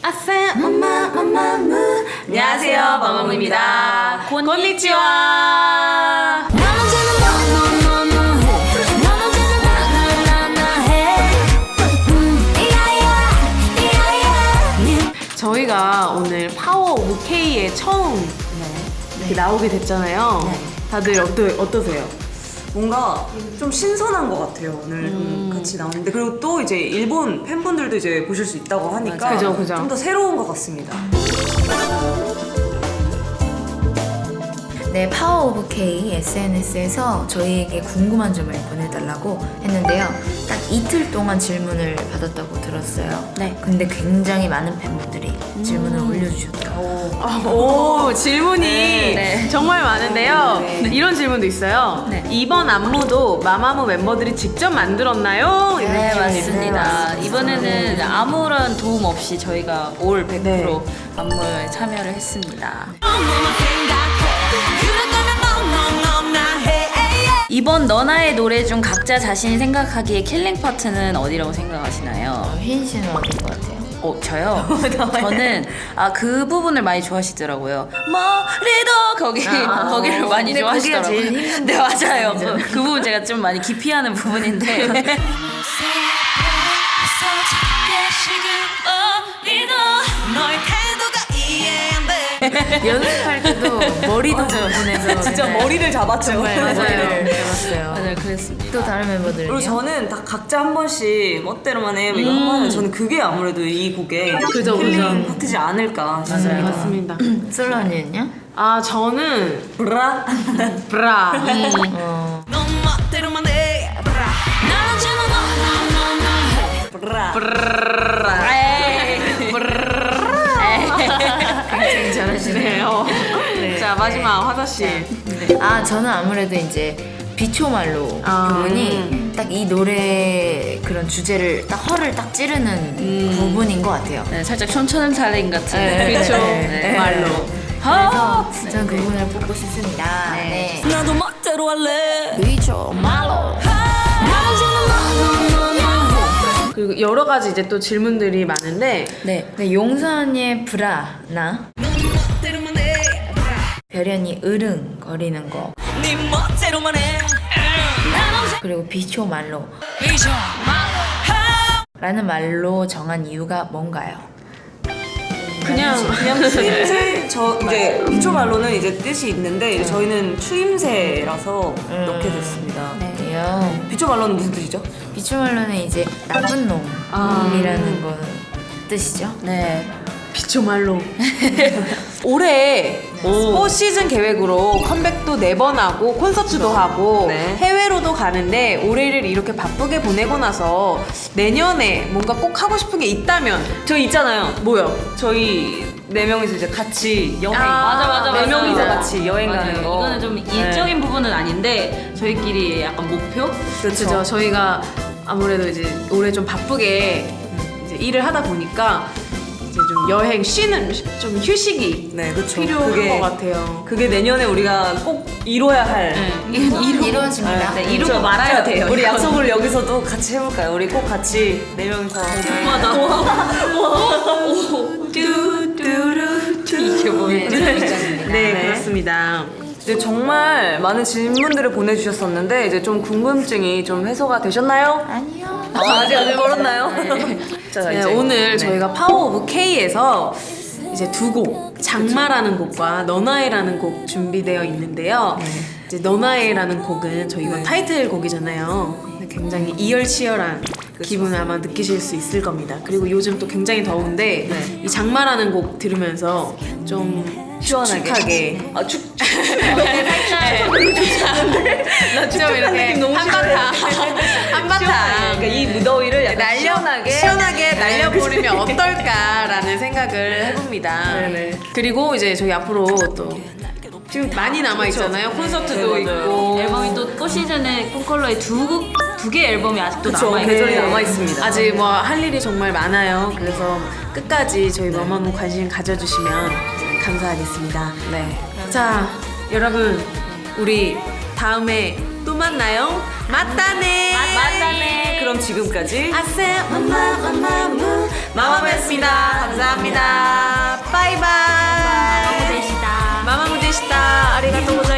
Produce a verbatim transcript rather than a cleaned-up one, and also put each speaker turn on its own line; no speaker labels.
아싸 마마마마무. 안녕하세요, 마마무입니다. 곤니치와. 저희가 오늘 파워 오브 K에 처음 이렇게 나오게 됐잖아요.
네.
다들 어떠, 어떠세요?
뭔가 좀 신선한 것 같아요. 오늘 음. 같이 나오는데, 그리고 또 이제 일본 팬분들도 이제 보실 수 있다고 하니까
그죠, 그죠.
좀 더 새로운 것 같습니다.
네, 파워 오브 K 에스엔에스에서 저희에게 궁금한 점을 보내달라고 했는데요. 딱 이틀 동안 질문을 받았다고 들었어요.
네.
근데 굉장히 많은 팬분들이 질문을 올려주셨더라고요.
아, 오, 질문이
네.
정말 많은데요.
네.
이런 질문도 있어요.
네.
이번 안무도 마마무 멤버들이 직접 만들었나요? 이런
네,
질문이
맞습니다.
있어요.
이번에는 아무런 도움 없이 저희가 올 백 퍼센트
네.
안무에 참여를 했습니다. 이번 너나의 노래 중 각자 자신이 생각하기에 킬링 파트는 어디라고 생각하시나요?
휘인 씨는 어딘 것 같아요?
어, 저요? 저는 아, 그 부분을 많이 좋아하시더라고요. 머리도 거기
아,
거기를 많이
근데 거기가
좋아하시더라고요.
제일 힘든
네, 맞아요. 그,
부분이죠.
그 부분 제가 좀 많이 기피하는 부분인데.
연습할 때도 머리도 부분에서
진짜
맨날
머리를 잡았죠.
정말 맞아요.
맞아요.
잡았어요.
맞아요, 그랬습니다.
또 다른 멤버들은요?
그리고 저는 다 각자 한 번씩 멋대로만 해 이거 하면 저는 그게 아무래도 이 곡의
그죠,
힐링
그죠.
파트지 않을까 싶습니다.
맞습니다.
솔로 언니는요?
아, 저는
브라
브라.
어,
브라
굉장히 잘하시네요.
네. 자, 마지막 화사 씨.
아, 저는 아무래도 이제 비초말로
아,
부분이 딱 이 노래 그런 주제를 딱 허를 딱 찌르는 부분인 것 같아요.
네, 살짝 촌철은 살인 같은.
네,
그쵸.
네.
말로.
아,
그래서 저는 그 부분을 뽑고 싶습니다. 네.
나도 멋대로 할래.
비초말로.
그리고 여러 가지 이제 또 질문들이 많은데
네. 네, 용서 언니의 브라나 별연이 으릉거리는 거
네 멋대로만 해.
그리고 비초말로 라는 말로 정한 이유가 뭔가요?
그냥
그냥 추임새 저 이제 이초 말로는 이제 뜻이 있는데 이제 저희는 추임새라서 넣게 됐습니다.
네요.
비초 말로는 무슨 뜻이죠?
비초말로는 이제 나쁜 놈이라는 거 뜻이죠.
네.
비초말로. 올해 사 시즌 계획으로 컴백도 네 번 하고 콘서트도 하고
네.
해외로도 가는데 올해를 이렇게 바쁘게 보내고 나서 내년에 뭔가 꼭 하고 싶은 게 있다면
저희 있잖아요.
뭐요?
저희 네 명이서 이제 같이 여행.
아,
맞아, 맞아,
네
맞아.
명이서
맞아.
같이 여행
맞아요.
가는 거.
이거는 좀 일적인 부분은 아닌데 저희끼리 약간 목표?
그렇죠.
그죠. 저희가 아무래도 이제 올해 좀 바쁘게 이제 일을 하다 보니까 이제 좀 여행 쉬는 좀 휴식이
네, 그렇죠.
필요한
그게-
것 같아요.
그게 내년에 우리가 꼭 이뤄야 할.
네.
이루, 이루어집니다.
네, 이루고
그렇죠.
말아야
자,
돼요.
우리
이거는.
약속을 여기서도 같이 해볼까요? 우리 꼭 같이 네 명이서.
이게 뭐예요?
네, 그렇습니다.
네, 정말 많은 질문들을 보내주셨었는데 이제 좀 궁금증이 좀 해소가 되셨나요?
아니요.
아, 아직 아직 멀었나요? 자,
네,
이제
오늘
네.
저희가 파워 오브 K에서 이제 두 곡, 장마라는 곡과 너나에라는 곡 준비되어 있는데요. 이제 너나에라는 곡은 저희 이번 타이틀곡이잖아요. 굉장히 이열치열한 기분을 아마 느끼실 수 있을 겁니다. 그리고 요즘 또 굉장히 더운데
네.
이 장마라는 곡 들으면서 좀
시원하게.
축축하게
아, 축.
좀 이렇게 한바탕 한바탕
그러니까 이 무더위를 약간
날려
시원하게
시원하게 날려버리면 어떨까라는 생각을 해봅니다.
네네.
그리고 이제 저희 앞으로 또 지금 많이 남아 있잖아요. 콘서트도
네, 맞아요.
있고
앨범이 또 또 시즌에 콘컬러에 두두 개 앨범이 아직도
그쵸,
남아
계절이
있는데
남아 있습니다.
아직 뭐 할 일이 정말 많아요. 그래서 끝까지 저희 너무 관심 가져주시면 감사하겠습니다.
네.
자, 여러분 우리 다음에 또 만나요. 맞다네.
맞다네.
그럼 지금까지
아세 마마마마무 마마무였습니다. 감사합니다. 바이바이.
마마무 되시다.
마마무 되시다. 아리가또 고자이마스.